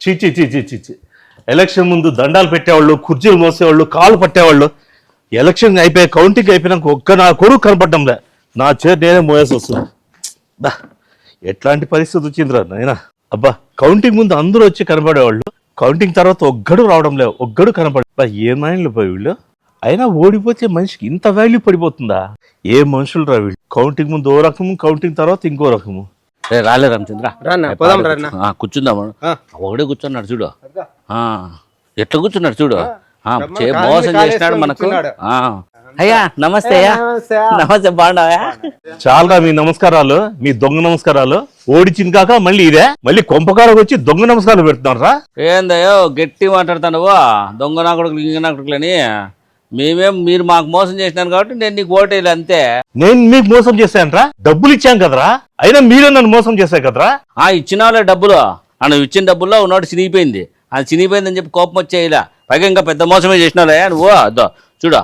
చీచి చీచి చీచి ఎలక్షన్ ముందు దండాలు పెట్టేవాళ్ళు, కుర్చీలు మోసేవాళ్ళు, కాలు పట్టేవాళ్ళు. ఎలక్షన్ అయిపోయి కౌంటింగ్ అయిపోయినాక ఒక్క నా కొడుకు కనపడ్డంలే. నా చేతి నేనే మోయాల్సి వస్తుంది. బా ఎట్లాంటి పరిస్థితి వచ్చిందిరా నాయనా. అబ్బా కౌంటింగ్ ముందు అందరూ వచ్చి కనపడేవాళ్ళు, కౌంటింగ్ తర్వాత ఒక్కడు రావడం లేదు, ఒక్కడు కనపడ. ఏ మైండ్లు పోయి వీళ్ళు. అయినా ఓడిపోతే మనిషికి ఇంత వాల్యూ పడిపోతుందా? ఏ మనుషులు రా వీళ్ళు. కౌంటింగ్ ముందు ఓ రకము, కౌంటింగ్ తర్వాత ఇంకో రకము. రాలే రామచంద్ర, కూర్చుందాము. ఒకడే కూర్చున్నాడు చూడు, ఎట్లా కూర్చున్నాడు చూడు. మోసం చేసినాడు మనకు. అయ్యా నమస్తే. అయ్యా నమస్తే, బాగున్నావా? చాలా మీ నమస్కారాలు, మీ దొంగ నమస్కారాలు. ఓడిచింది కాక మళ్ళీ ఇదే, మళ్ళీ కొంపకారకు వచ్చి దొంగ నమస్కారాలు పెడుతున్నారా? ఏందయ్యో గట్టి మాట్లాడతాను, దొంగ నా కొడుకులు ఇంక నా కొడుకులని. మీరు మాకు మోసం చేసినారు కాబట్టి నేను నీకు ఓటేయాలి అంతే. నేను మీకు మోసం చేశానరా? డబ్బులు ఇచ్చాను కదరా, అయినా మీరే నన్ను మోసం చేశారు కదరా. ఇచ్చినావులే డబ్బులు, నువ్వు ఇచ్చిన డబ్బుల్లో ఉన్నోటి చినిగిపోయింది. అది చినిగిపోయిందని చెప్పి కోపం వచ్చేయలా. పైగా ఇంకా పెద్ద మోసమే చేసినావులే నువ్వు. అదో చూడు,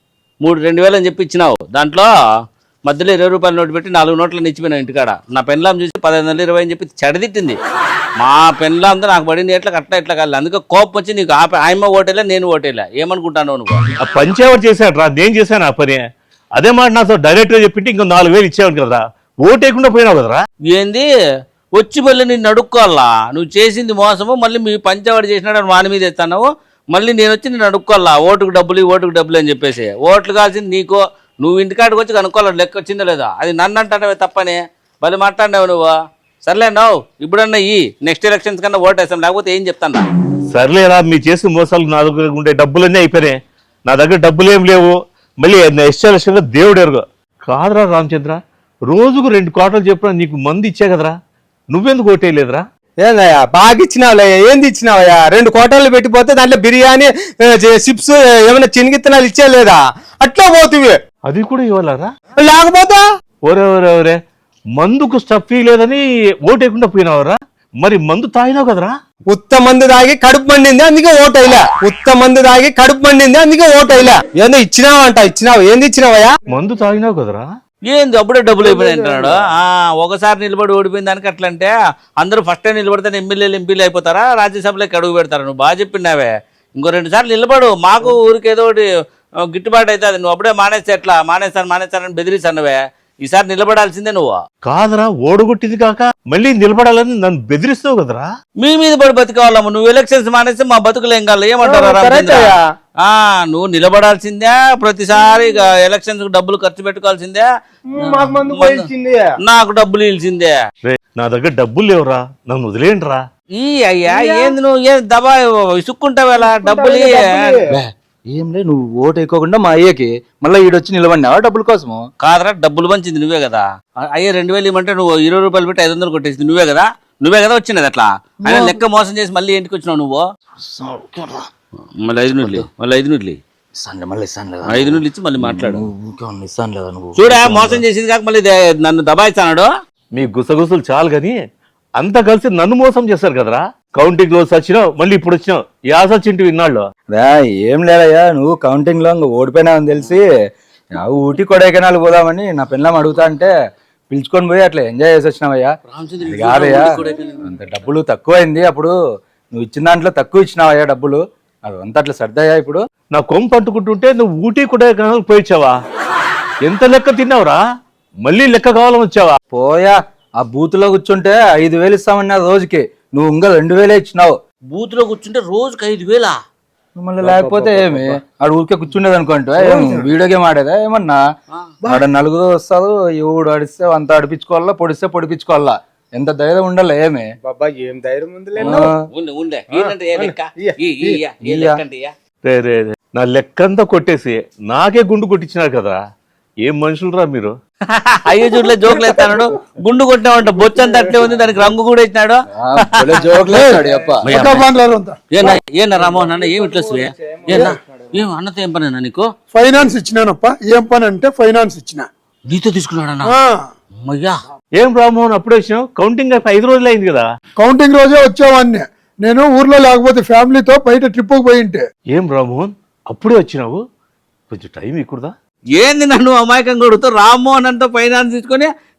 2,000 అని చెప్పి ఇచ్చినావు. దాంట్లో మధ్యలో 20 రూపాయల నోటు పెట్టి 4 నోట్లను ఇచ్చిపోయినావు ఇంటికాడ. నా పెన్లాం చూసి 1520 అని చెప్పి చెడదిట్టింది. మా పెన్లాంతో నాకు పడింది ఎట్లా అట్లా ఇట్లా కాదు. అందుకే కోపం వచ్చి నీకు ఆయమ్మ ఓటేలా, నేను ఓటేలా. ఏమనుకుంటాను నువ్వు? ఆ పంచేవాడు చేశాడు రా, నేను చేశాను ఆ పని. అదే మాట నాతో డైరెక్ట్ గా చెప్పింటే ఇంకో 4,000 ఇచ్చేవాడు కదరా. ఓటేయకుండా పోయినావు కదరా. ఏంది వచ్చి మళ్ళీ నిన్ను అడుక్కోవాలా? నువ్వు చేసింది మోసము, మళ్ళీ మీ పంచేవాడు చేసినాడు వాని మీద ఎత్తావు. మళ్ళీ నేను వచ్చి నేను అడుక్కోవాలా? ఓటుకు డబ్బులు అని చెప్పేసి. ఓట్లు కావాల్సింది నీకు. నువ్వు ఇంటికాడికి వచ్చి కనుక్కోవాలి లెక్క వచ్చిందో లేదా. అది నన్ను అంటానవే తప్పని మళ్ళీ మాట్లాడినావు నువ్వు. సర్లే నవ్వు ఇప్పుడన్నా నెక్స్ట్ ఎలక్షన్స్ కన్నా ఓటేస్తాం, లేకపోతే ఏం చెప్తాను. సర్లేరా, మీ చేసిన మోసాలు నా దగ్గర ఉండే డబ్బులన్నీ అయిపోయినాయి. నా దగ్గర డబ్బులు ఏం లేవు. మళ్ళీ నెక్స్ట్ ఎలక్షన్ లో దేవుడు ఎరుగు కాదురా రామచంద్ర. రోజుకు 2 కోటలు చెప్పినా నీకు మంది ఇచ్చా కదరా, నువ్వెందుకు ఓటేయలేదురా? ఏందయ్యా బాగా ఇచ్చినావులే. ఏంది ఇచ్చినావయ్యా? 2 కోటలు పెట్టిపోతే దాంట్లో బిర్యానీ, చిప్స్, ఏమైనా చినిగిత్తనాలు ఇచ్చేలేదా? అట్లా పోతువి. అది కూడా ఇవ్వాలరా? లేకపోతే ఒరే మందుకు స్టఫీ లేదని ఓటేయకుండా పోయినావరా? మరి మందు తాగినావు కదరా? ఉత్త మందు తాగి కడుపు మండింది అందుకే ఓటైలా. ఉత్త మందు తాగి కడుపు మండింది అందుకే ఓటైలా. ఏందో ఇచ్చినావు. ఏంది ఇచ్చినావయ్యా? మందు తాగినావు కదరా? ఏంది అప్పుడే డబ్బులు అయిపోయినాయి అంటున్నాడు. ఒకసారి నిలబడి ఓడిపోయిన దానికి అట్లా అంటే అందరూ ఫస్ట్ టైం నిలబడితే ఎంపీలు అయిపోతారా, రాజ్యసభలోకి అడుగు పెడతారా? నువ్వు బాగా చెప్పినావే. ఇంకో 2 సార్లు నిలబడు, మాకు ఊరికి ఏదో ఒకటి గిట్టుబాటు అవుతుంది. నువ్వు అప్పుడే మానేస్తే ఎట్లా? మానేస్తానని బెదిరిస్తానువే. ఈసారి నిలబడాల్సిందే నువ్వు. కాదరా, ఓడగొట్టింది కాక మళ్ళీ నిలబడాలని నన్ను బెదిరిస్తావు కదరా? మీ మీద పడి బతికావాలమ్మ. నువ్వు ఎలక్షన్స్ మానేస్తే మా బతుకులు ఏం కావాలి? ఏమంటారా? నువ్వు నిలబడాల్సిందే. ప్రతిసారి ఎలక్షన్స్ డబ్బులు ఖర్చు పెట్టుకోవాల్సిందే. నాకు డబ్బులు ఇల్సిందే. నా దగ్గర డబ్బులు లేవురా, నన్ను వదిలేండి రా. అయ్యా ఏంది నువ్వు ఏం దబా ఇసుక్కుంటావేలా? డబ్బులు ఏం లే, నువ్వు ఓటు వేయకోకుండా మా అయ్యకి మళ్ళీ ఈడొచ్చి నిలబడినావా డబ్బుల కోసము? కాదరా, డబ్బులు పంచింది నువ్వే కదా. అయ్యే 2,000 ఇవ్వమంటే నువ్వు 20 రూపాయలు పెట్టి 500 కొట్టేసింది నువ్వే కదా వచ్చినది. అట్లా ఆయన లెక్క మోసం చేసి మళ్ళీ ఇంటికి వచ్చినావు నువ్వు. మళ్ళీ 5 నూట్లు ఇచ్చి మళ్ళీ మాట్లాడు. చూడా మోసం చేసింది కాక మళ్ళీ నన్ను దబాయిస్తాడు. మీ గుసగుసలు చాలు గాని అంతా కలిసి నన్ను మోసం చేశారు కదరా. కౌంటింగ్ లో వచ్చినావు, మళ్ళీ ఇప్పుడు వచ్చినావు. యాసొచ్చింటి ఇన్నాళ్ళు. ఏం లేదయ్యా, నువ్వు కౌంటింగ్ లో ఓడిపోయినావని తెలిసి ఊటీ కొడైకెనాల్ పోదామని నా పెళ్ళాం అడుగుతా అంటే పిలుచుకొని పోయి అట్లా ఎంజాయ్ చేసి వచ్చినావయ్యా. కాదయ్యా, అంత డబ్బులు తక్కువైంది. అప్పుడు నువ్వు ఇచ్చిన దాంట్లో తక్కువ ఇచ్చినావయ్యా డబ్బులు. అదంతా అట్లా సర్దయ్యా. ఇప్పుడు నా కొమ్ము పట్టుకుంటుంటే నువ్వు ఊటీ కొడైకెనాల్ పోయిచ్చావా? ఎంత లెక్క తిన్నావురా? మళ్ళీ లెక్క కావాలని వచ్చావా? పోయా, ఆ బూత్ లో కూర్చుంటే 5,000 ఇస్తామన్నా రోజుకి, నువ్వు ఇంకా 2,000 ఇచ్చినావు. బూత్ లో కూర్చుంటే రోజుకి 5,000? మళ్ళీ లేకపోతే ఏమి ఆడ ఊరికే కూర్చుండేది అనుకుంటా. వీడియో గేమ్ ఆడేదా ఏమన్నా? ఆడ 4 వస్తారు, ఎవడు ఆడిస్తే అంత ఆడిపించుకోవాలా, పొడిస్తే పొడిపించుకోవాలా. ఎంత ధైర్యం ఉండాలి? ఏమి బాబా ఏం ధైర్యం ఉంది. నా లెక్కంతా కొట్టేసి నాకే గుండు కొట్టించినారు కదా. ఏం మనుషులరా మీరు? అయ్యో చూడలే, జోకులు ఎత్తాడు. గుండు కొట్టినామంట, బొచ్చంతా అట్లే ఉంది, దానికి రంగు కూడా ఇచ్చినాడు. ఏనా రామోహన్ అన్న, ఏమి ఇట్లా ఏం అన్నతో ఏం పని అన్నా నీకు? ఫైనాన్స్ ఇచ్చినానప్ప. ఏం పని అంటే ఫైనాన్స్ ఇచ్చిన. నీతో తీసుకున్నాడన్నా? అయ్యా ఏం రామ్మోహన్ అప్పుడే వచ్చినావు? కౌంటింగ్ 5 రోజులు అయింది కదా. కౌంటింగ్ రోజే వచ్చావాన్ని. నేను ఊర్లో లేకపోతే ఫ్యామిలీతో బయట ట్రిప్కి పోయింటే. ఏం రామ్మోహన్ అప్పుడే వచ్చినావు? కొంచెం టైం ఇక్కడదా? ఏంది నన్ను అమాయకంగా కొడుతూ రామ్మోహన్ అంతా ఫైనాన్స్ తీసుకొని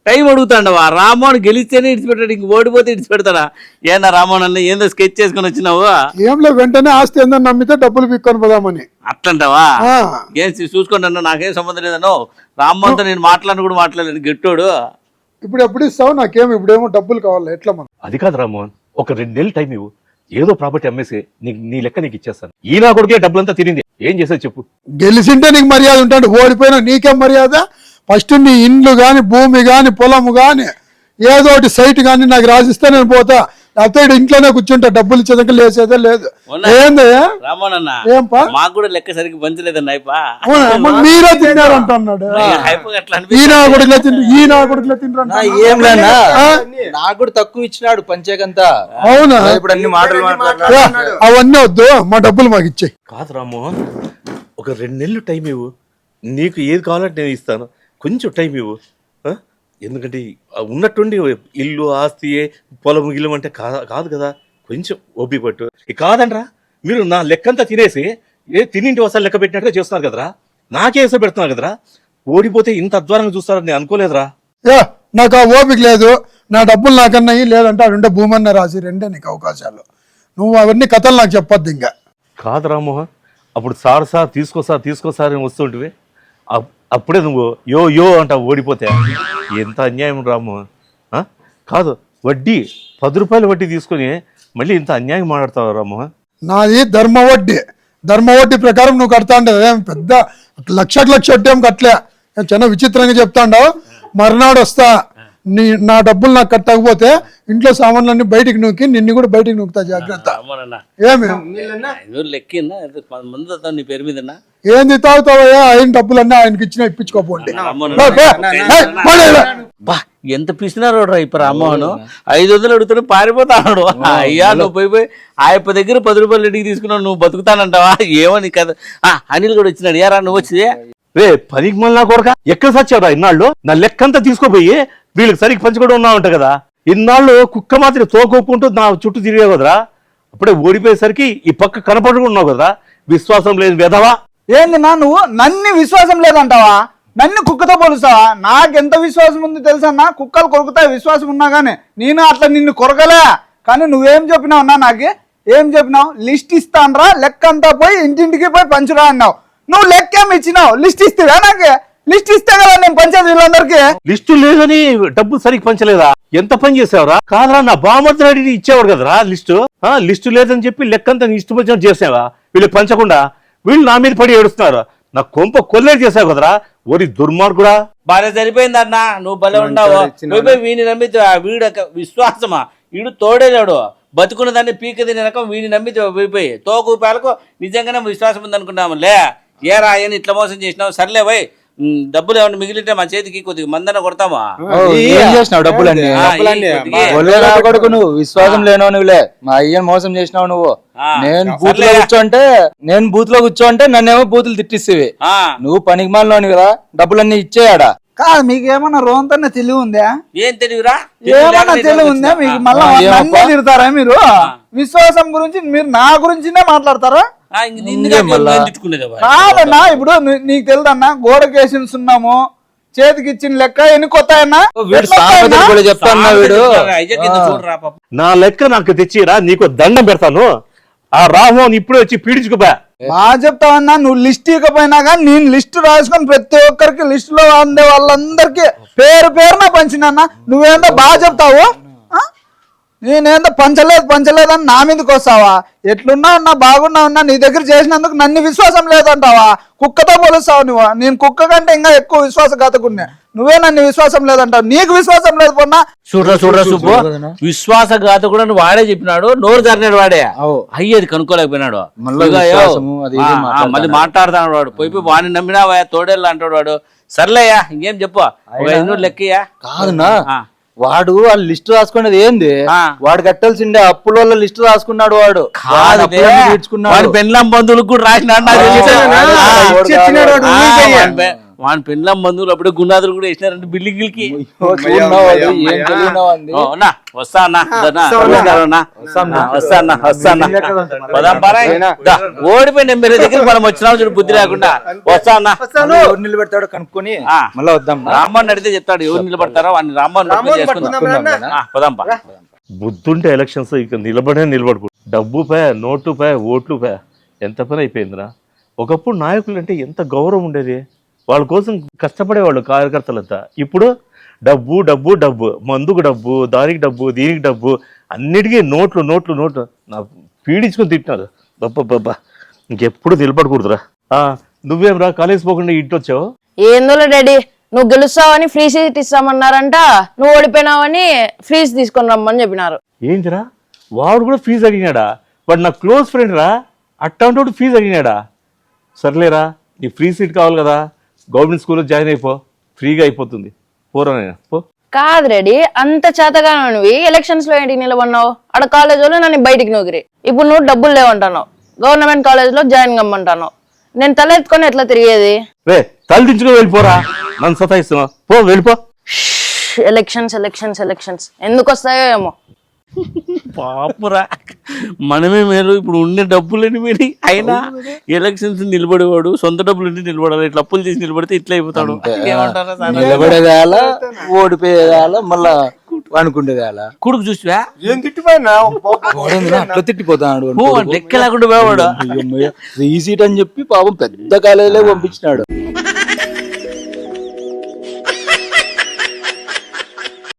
టైం అడుగుతాండవా? రామ్మోహన్ గెలిస్తేనే ఇడిచిపెట్టాడు, ఇంక ఓడిపోతే ఇడిచిపెడతాడా? ఏనా రామ్మోహన్ అన్న ఏందో స్కెచ్ చేసుకుని వచ్చినావు? ఏంలో వెంటనే ఆస్తి ఏందని నమ్మితే డబ్బులు పిక్కొని పోదామని. అట్లంటావా? ఆ. ఏం చూసుకోండి అన్న, నాకేం సంబంధం లేదన్నో. రామ్మోహన్తో నేను మాట్లాడిన కూడా మాట్లాడలేదు, గెట్టోడు. ఇప్పుడు ఎప్పుడు ఇస్తావు? నాకేం ఇప్పుడేమో డబ్బులు కావాలి, ఎట్లా మనం? అది కాదు రామ్మోహన్, ఒక 2 నెలలు టైం ఇవ్వు, ఏదో ప్రాపర్టీ అమ్మేసి నీ లెక్క నీకు ఇచ్చేస్తాను. ఈ నా కొడుకే డబ్బులంతా తినింది, ఏం చేసేది చెప్పు? గెలిచింటే నీకు మర్యాద ఉంటాడు, ఓడిపోయినా నీకేం మర్యాద? ఫస్ట్ నీ ఇండ్లు గాని, భూమి గాని, పొలము గాని, ఏదో ఒకటి సైట్ గాని నాకు రాసిస్తే నేను పోతా. లేకపోతే ఇంట్లోనే కూర్చుంటా, డబ్బులు ఇచ్చేదాకా లేచేదే లేదు. ఏందయ్యా రామ్మోహన్ అన్న, ఏంపా మాకు కూడా లెక్క సరిగ్గా పంచలేదన్న. మీరే తిన్నారు అంటున్నాడు. ఈ నా కొడుకులే తింటారు, ఈ నా కొడుకులే తింటారు. ఏం లేనా నాకు కూడా తక్కువ ఇచ్చినాడు పంచేకంతా. అవునా? ఇప్పుడు అన్ని మాటలు అవన్నీ వద్దు, మా డబ్బులు మాకు ఇచ్చేయి. కాదు రామ్మోహన్, ఒక 2 నెలలు టైం ఇవ్వు, నీకు ఏది కావాలంటే నేను ఇస్తాను. కొంచెం టైం ఇవ్వు. ఎందుకంటే ఉన్నట్టుండి ఇల్లు ఆస్తి పొలం గిల్లం అంటే కాదు కదా, కొంచెం ఓపిక పట్టు. కాదంట్రా, మీరు నా లెక్కంతా తినేసి తినింటి వస్తాలు లెక్క పెట్టినట్టుగా చేస్తున్నారు కదరా, నాకేసో పెడుతున్నారు కదరా. ఓడిపోతే ఇంత అధ్వానంగా చూస్తారని నేను అనుకోలేదురా. నాకు ఆ ఓపిక లేదు, నా డబ్బులు నాకన్నాయి, లేదంటే అడుంటే భూమన్న రాసి రెండే నీకు అవకాశాలు. నువ్వు అవన్నీ కథలు నాకు చెప్పొద్దు ఇంకా. కాదు రామ్మోహన్, అప్పుడు సార్ తీసుకోసారి అని వస్తుంటివి, అప్పుడే నువ్వు యో అంటావు ఓడిపోతే. ఎంత అన్యాయం రామ్మోహన్. కాదు, వడ్డీ 10 రూపాయలు వడ్డీ తీసుకొని మళ్ళీ ఇంత అన్యాయం మాట్లాడతావు రామ్మోహన్. నాది ధర్మ వడ్డీ ప్రకారం నువ్వు కడతా ఉండేది. ఏం పెద్ద లక్ష వడ్డీ ఏం కట్టలే, చాలా విచిత్రంగా చెప్తాండావు. మర్నాడు వస్తా, నా డబ్బులు నాకు కట్టకపోతే ఇంట్లో సామాన్లన్నీ బయటికి నూకి నిన్ను కూడా బయటికి నూకుతా, జాగ్రత్త. ఏమి నీ పేరు మీద ఏంది తాగుతావయ్యా? ఆయన డబ్బులన్నీ ఆయనకి ఇచ్చినా ఇప్పించుకోపోండి. బా ఎంత పిసినారు ఇప్పుడు రామ్మోహన్. 500 అడుగుతాడు, పారిపోతాడు. అయ్యా నువ్వు పోయి ఆయప్ప దగ్గర 10 రూపాయలు ఇంటికి తీసుకున్నావు, నువ్వు బతుకుతానంటావా? ఏమని కదా. అనిల్ కూడా వచ్చినాడు. ఏరా నువ్వు వచ్చింది? రే పనికి మళ్ళీ కొరక, ఎక్కడ సచ్చావురా ఇన్నాళ్ళు? నా లెక్కంతా తీసుకోపోయి వీళ్ళకి సరిగ్గా పంచుకోవడం ఉన్నావు అంట కదా. ఇన్నాళ్ళు కుక్క మాత్రం తోకొప్పుకుంటూ నా చుట్టూ తిరిగే కదరా. అప్పుడే ఓడిపోయేసరికి ఈ పక్క కనపడుకున్నావు కదరా. విశ్వాసం లేదు వెధవా. ఏంది నా నువ్వు నన్ను విశ్వాసం లేదంటావా? నన్ను కుక్కతో పోలుస్తావా? నాకెంత విశ్వాసం ఉంది తెలుసన్నా? కుక్కలు కొరుకుతాయి విశ్వాసం ఉన్నా కానీ. నేను అట్లా నిన్ను కొరకలే, కానీ నువ్వేం చెప్పినావు అన్నా? నాకు ఏం చెప్పినావు? లిస్ట్ ఇస్తానరా, లెక్క అంతా పోయి ఇంటింటికి పోయి పంచురా అన్నావు. నువ్వు లెక్కేం ఇచ్చినావు? లిస్ట్ ఇస్తావా? నాకు లిస్ట్ ఇస్తే కదా నేను పంచేది వీళ్ళందరికీ. లిస్టు లేదని డబ్బు సరిగ్గా పంచలేదా? ఎంత పని చేసావురా? కాదురా, నా బామర్ది ఇచ్చేవాడు కదరా లిస్టు లేదని చెప్పి లెక్కంతా నీ ఇష్టం వచ్చినట్టు చేసావా? వీళ్ళకి పంచకుండా వీళ్ళు నా మీద పడి ఏడుస్తున్నారు. నా కొంప కొల్లేరు చేసావు కదరా. ఓరి దుర్మార్గుడా. బాగా సరిపోయింది అన్న, నువ్వు భలే ఉన్నావు. వీడిని నమ్మితే వీడు విశ్వాసమా? వీడు తోడేలేడు, బతుకున్న దాన్ని పీక తినే రకం. వీడిని నమ్మితే పోయిపోయి తోకు పేలకు నిజంగానే విశ్వాసం ఉందనుకున్నాము. లే ఏరా ఆయన ఇట్లా మోసం చేసినావు. సర్లే పోయి డబ్బులు ఏమన్నా మిగిలితే మా చేతికి కొద్దిగా మందన కొడతామా? ఏం చేసినావు డబ్బులన్నీ? కొడుకు నువ్వు విశ్వాసం లేనవు నువ్వులే. మా అయ్యని మోసం చేసినావు నువ్వు. నేను బూత్ లో కూర్చోంటే నన్నేమో బూతులు తిట్టిస్తేవి. నువ్వు పనికి మాలోని కదా, డబ్బులన్నీ ఇచ్చేయాడా? కాదు, మీకు ఏమన్నా రోంతనే తెలివి ఉందా? ఏం తెలివిరా? ఏమన్నా తెలివి ఉందా మీకు? మళ్ళీ తిడతారా మీరు? విశ్వాసం గురించి మీరు నా గురించినే మాట్లాడతారా? కాదన్నా, ఇప్పుడు నీకు తెలుదన్నా, గోడకేసి ఉన్నాము, చేతికి ఇచ్చిన లెక్క ఎన్ని కొత్తాయన్నా? నా లెక్క నాకు తెచ్చిరా, నీకు దండం పెడతాను. ఆ రామ్మోహన్ ఇప్పుడే వచ్చి పీడించుకోబా. బాగా చెప్తావన్నా. నువ్వు లిస్ట్ ఇవ్వకపోయినా కానీ నేను లిస్టు రాసుకొని ప్రతి ఒక్కరికి లిస్టులో అందే వాళ్ళందరికీ పేరున పంచినన్నా. నువ్వేందో బాగా చెప్తావు, నేనేందో పంచలేదని నా మీదకి వస్తావా? ఎట్లున్నావు అన్నా, బాగున్నావు అన్నా, నీ దగ్గర చేసినందుకు నన్ను విశ్వాసం లేదంటావా? కుక్కతో పోలుస్తావు నువ్వు. నేను కుక్క కంటే ఇంకా ఎక్కువ విశ్వాసఘాతకున్నా. నువ్వే నన్ను విశ్వాసం లేదంటావు. నీకు విశ్వాసం లేదు పొన్నా. చూడరా సుబ్బు, విశ్వాసఘాతకుడు వాడే చెప్పినాడు, నోరు జరినాడు వాడే. అయ్యేది కనుక్కోలేకపోయినాడు. మళ్ళీ మాట్లాడుతున్నాడు వాడు. పోయి వాడిని నమ్మినావా? తోడేళ్ళు అంటాడు వాడు. సర్లేయా, ఇంకేం చెప్పు, 500 లెక్కయ్యా. కాదునా, వాడు ఆ లిస్ట్ రాసుకునేది ఏంది? వాడు కట్టాల్సిండే అప్పుల వల్ల లిస్ట్ రాసుకున్నాడు. వాడు పెన్లాం బంధువులకు కూడా రాసినాడు. వాని పెళ్ళం బంధువులు అప్పుడే గున్నాదులు కూడా వేసినారంటే బిల్డింగ్లకి. వస్తా అన్న ఓడిపోయి నేను వేరే దగ్గర మనం వచ్చినాం చూడు బుద్ధి లేకుండా. వస్తా అన్న ఎవరు నిలబెడతాడో కనుక్కొని మళ్ళీ వద్దాం. రామ్మని అడిగితే చెప్తాడు ఎవరు నిలబడతారో వాడిని రామ్మని పదాంపా. బుద్ధుంటే ఎలక్షన్స్ ఇక నిలబడకూడదు. డబ్బు పే, నోటు పే, ఓట్లు పే, ఎంత పని అయిపోయిందిరా. ఒకప్పుడు నాయకులు అంటే ఎంత గౌరవం ఉండేది, వాళ్ళ కోసం కష్టపడేవాళ్ళు కార్యకర్తలంతా. ఇప్పుడు డబ్బు డబ్బు డబ్బు, మందుకు డబ్బు, దానికి డబ్బు, దీనికి డబ్బు, అన్నిటికీ నోట్లు నోట్లు నోట్లు. నా పీడించుకొని తిట్టినారు. బబ్బా ఇంకెప్పుడు నిలబడకూడదురా. నువ్వేం రా కాలేజ్ పోకుండా ఇంటి వచ్చావు? ఏందోలే డాడీ, నువ్వు గెలుస్తావని ఫ్రీ సీట్ ఇస్తామన్నారంట, నువ్వు ఓడిపోయినావని ఫీజు తీసుకొని రమ్మని చెప్పినారు. ఏంటిరా వాడు కూడా ఫీజు అడిగినాడా? వాడు నా క్లోజ్ ఫ్రెండ్ రా, అట్టంటోడు ఫీజు అడిగినాడా? సర్లేరా, నీ ఫ్రీ సీట్ కావాలి కదా, గవర్నమెంట్ స్కూల్లో జాయిన్ అయిపో, ఫ్రీగా అయిపోతుంది. పోరా పో. కాదు రెడీ, అంత చేతగా నువ్వు ఎలక్షన్స్ లో ఏంటికి నిలబడినావు? ఆడ కాలేజ్ వాళ్ళు నన్ను బయటికి నూగిరి. ఇప్పుడు నువ్వు డబ్బులు లేవంటాను, గవర్నమెంట్ కాలేజ్ లో జాయిన్ కమ్మంటాను. నేను తల ఎత్తుకొని ఎట్లా తిరిగేది? రే తల దించుకొని వెళ్ళిపోరా, నన్ను సతాయిస్తున్నా. పో వెళ్ళిపో. ఎలక్షన్స్ ఎలక్షన్స్ ఎలక్షన్స్ ఎందుకు వస్తాయో ఏమో. పాపురా, మనమే మేలు. ఇప్పుడు ఉండే డబ్బులని మీరు అయినా ఎలక్షన్స్ నిలబడేవాడు సొంత డబ్బులు ఉండి నిలబడాలి. ఇట్లా అప్పులు చేసి నిలబడితే ఇట్లా అయిపోతాడు. నిలబడేదాల, ఓడిపోయేదాల, మళ్ళా అనుకుండేదాల. కొడుకు చూసివా ఏం తిట్టిపోయినా అట్లా తిట్టిపోతాడు. లెక్క లేకుండా పోవాడు. ఈ సీట్ అని చెప్పి పాపం పెద్ద కాలేజీలో పంపించినాడు.